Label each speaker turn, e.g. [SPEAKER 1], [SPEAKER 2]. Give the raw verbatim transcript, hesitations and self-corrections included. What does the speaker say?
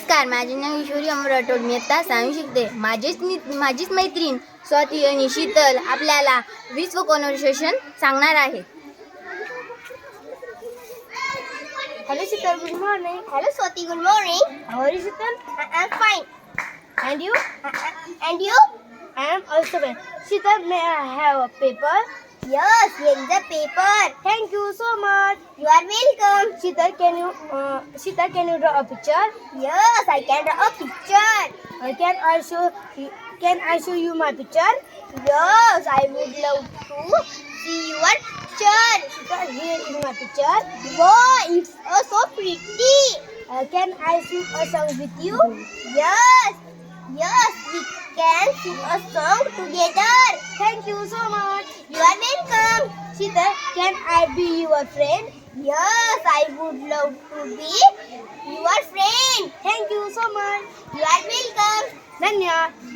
[SPEAKER 1] नमस्कार, माझे नाव ईश्वरी अमर राठोड. मी आता सहावी शिकते. माझीच मी माझीच मैत्रीण स्वाती आणि शीतल आपल्याला विश्व कॉन्व्हर्सेशन सांगणार आहे.
[SPEAKER 2] Hello Shital, good morning.
[SPEAKER 1] Hello Swati, good morning.
[SPEAKER 2] How are you Shital?
[SPEAKER 1] I am fine.
[SPEAKER 2] And you?
[SPEAKER 1] And you?
[SPEAKER 2] I am also fine. Shital, may I have a paper?
[SPEAKER 1] Yes, here is the paper.
[SPEAKER 2] Thank you so much.
[SPEAKER 1] You are welcome.
[SPEAKER 2] Shital, can you uh, Shital, can you draw a picture?
[SPEAKER 1] Yes, I can draw a picture.
[SPEAKER 2] Uh, can I show Can I show you my picture?
[SPEAKER 1] Yes, I would love to see your picture.
[SPEAKER 2] Shital, here is my picture.
[SPEAKER 1] Wow, it's a so pretty.
[SPEAKER 2] Uh, can I sing a song with you?
[SPEAKER 1] Yes, yes, we can sing a song together.
[SPEAKER 2] Thank you so much.
[SPEAKER 1] You are welcome.
[SPEAKER 2] Shital, can I be your friend?
[SPEAKER 1] Yes, I would love to be your friend.